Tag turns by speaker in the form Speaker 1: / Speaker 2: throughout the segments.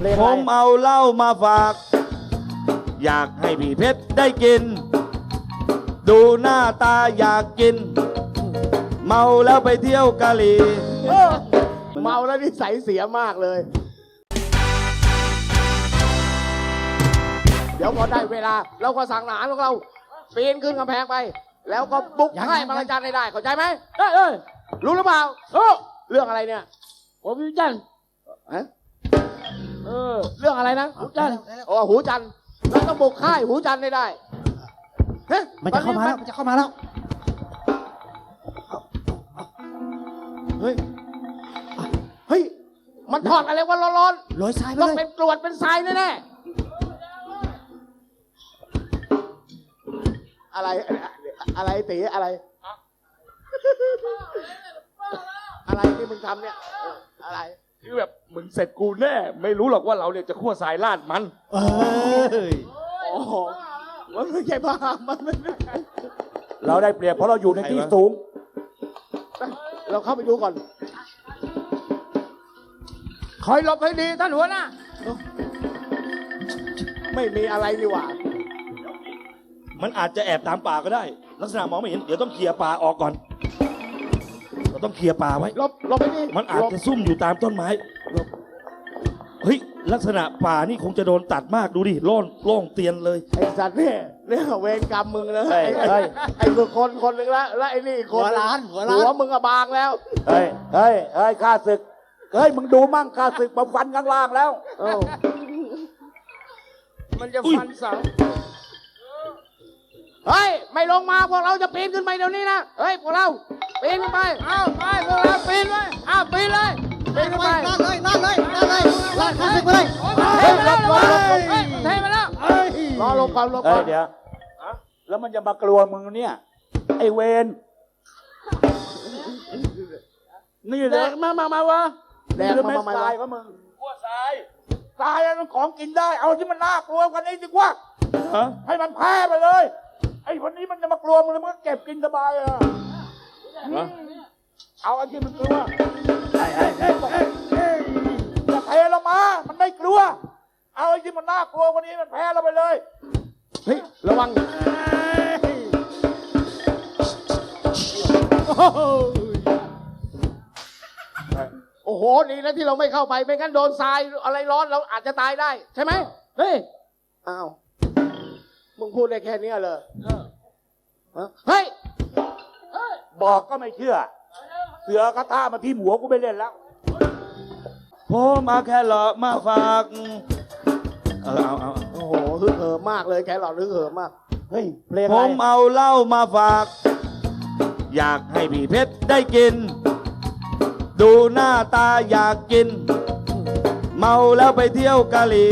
Speaker 1: ผมเอาเหล้ามาฝาก อยากให้พี่เพชรได้กิน ดูหน้าตาอยากกิน เมาแล้วไปเที่ยวกะหรี่
Speaker 2: เมาแล้วนิสัยเสียมากเลย เดี๋ยวพอได้เวลาเราก็สั่งอาหารของเราปีนขึ้นกำแพงไป แล้วก็บุกให้บางจานได้เข้าใจไหมได้รู้หรือเปล่าเรื่องอะไรเนี่ยผมหูจันเรื่องอะไรนะหูจันหูจันเราต้องบุกค่ายหูจันได้
Speaker 3: มันจะเข้ามาแล้ว มันจะเข้ามาแล้ว
Speaker 2: เฮ้ยมันทอดอะไรวะร้อน
Speaker 3: โรยทรายไป
Speaker 2: ๆต้อง
Speaker 3: เลย
Speaker 2: เป็นกรวดเป็นทรายแน่ๆอะไรตีอะไรที่มึงทำเนี่ยอะไร
Speaker 1: คือแบบมึงเสร็จกูแน่ ไม่รู้หรอกว่าเราเนี่ยจะคั่วสายลาดมัน
Speaker 3: เอ้ย
Speaker 2: โอ้โหมันไม่ใช่บ้ามันไม่
Speaker 1: เราได้เปรียบเพราะเราอยู่ในที่สูง
Speaker 2: เราเข้าไปดูก่อนคอยหลบให้ดีท่านหัวหน้าไม่มีอะไรนี่หว่า
Speaker 1: มันอาจจะแอบตามป่าก็ได้ ลักษณะมองไม่เห็น เดี๋ยวต้องเคลียร์ป่าออกก่อน เราต้องเคลียร์ป่าไว้
Speaker 2: หลบไปดิ
Speaker 1: มันอาจจะซุ่มอยู่ตามต้นไม้ เฮ้ย ลักษณะป่านี่คงจะโดนตัดมากดูดิโล่งเตียนเลย
Speaker 2: ไอ้สัตว์เนี่ยเวรกรรมมึงเลย
Speaker 1: เฮ้ย
Speaker 2: ไอ้มึงคนหนึ่งแล้วไอ้นี่คน
Speaker 3: หัวล้าน
Speaker 2: หัวมึงอะบางแล้ว
Speaker 1: เฮ้ยข้าศึก เฮ้ย มึงดูมั่งข้าศึกมาฟันข้างล่างแล้ว
Speaker 2: มันจะฟันเสาเฮ้ยไม่ลงมาพวกเราจะปีนขึ้นไปเดี๋ยวนี้นะเฮ้ยพวกเราปีนขึ้นไปไปพวกเราปีนไปปีนเลยปีนขึ้นไป
Speaker 3: นั่นเลยลาดข้าศึกไปเลย
Speaker 2: เฮ้ยหลบเทมาแล้วรอลงก่อน
Speaker 1: เฮ้ยเดี๋ยวแล้วมันจะมากลัวมึงเนี่ย ไอเวนนี่แหละมาวะ
Speaker 2: แดงมา
Speaker 1: ทรายก็มึงกลัวทรายทรายมันของกินได้ เอาที่มันน่ากลัวกันนี้ดีกว่าให้มันแพ้ไปเลย ไอ้คนนี้มันจะมากลัวมึงแล้วมันก็เก็บกินสบายอ่ะเอาไอ้ที่มันกลัวจะเทลงมา มันไม่กลัว เอาไอ้ที่มันน่ากลัวคนนี้มันแพ้เราไปเลย
Speaker 2: เฮ้ยระวังโอ้โหดีนะที่เราไม่เข้าไปไม่งั้นโดนทรายอะไรร้อนเราอาจจะตายได้ใช่ไหมเฮ้ยอ้าวมึงพูดได้แค่นี้เลยเฮ้ย
Speaker 1: บอกก็ไม่เชื่อ เสือกระท่ามาที่หัวกูไม่เล่นแล้วผมมาแค่หลอกมาฝากเอา
Speaker 2: โอ้โหฮึกเหิมมากเลยแกหลอดฮึกเหิมมากเฮ้ยเพลง
Speaker 1: ผมเอาเหล้ามาฝาก อยากให้พี่เพชรได้กิน ดูหน้าตาอยากกิน เมาแล้วไปเที่ยวกะหรี่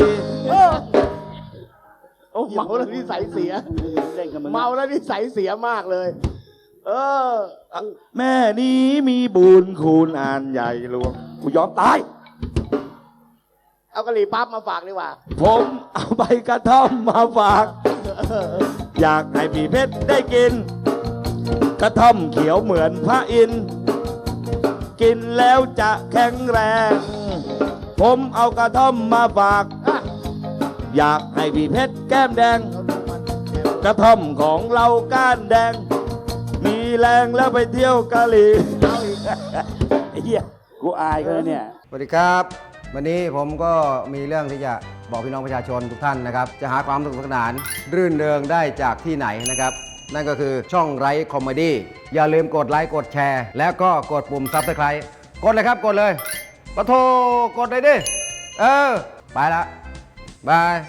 Speaker 2: โอ้เมาแล้วนิสัยเสียเมาแล้วนิสัยเสียมากเลย
Speaker 1: แม่นี้มีบุญคุณอ่านใหญ่หลวงกูยอมตาย
Speaker 2: เอากะหรี่ปั๊บมาฝากดีกว่า
Speaker 1: ผมเอาใบกระท่อมมาฝาก อยากให้พี่เพชรได้กิน กระท่อมเขียวเหมือนพระอินทร์กินแล้วจะแข็งแรง ผมเอากระท่อมมาฝาก อยากให้พี่เพชรแก้มแดง กระท่อมของเราก้านแดง มีแรงแล้วไปเที่ยวกะหรี่ไอ้เหี้ยกูอายเขาเนี่ย
Speaker 4: สวัสดีครับ วันนี้ผมก็มีเรื่องที่จะบอกพี่น้องประชาชนทุกท่านนะครับ จะหาความสนุกสนานรื่นเริงได้จากที่ไหนนะครับ นั่นก็คือช่องไร้คอมเมดี้อย่าลืมกดไลค์กดแชร์ แล้วก็กดปุ่มซับสไครต์กดเลยครับกดเลยปะโทกดเลยดิไปละบาย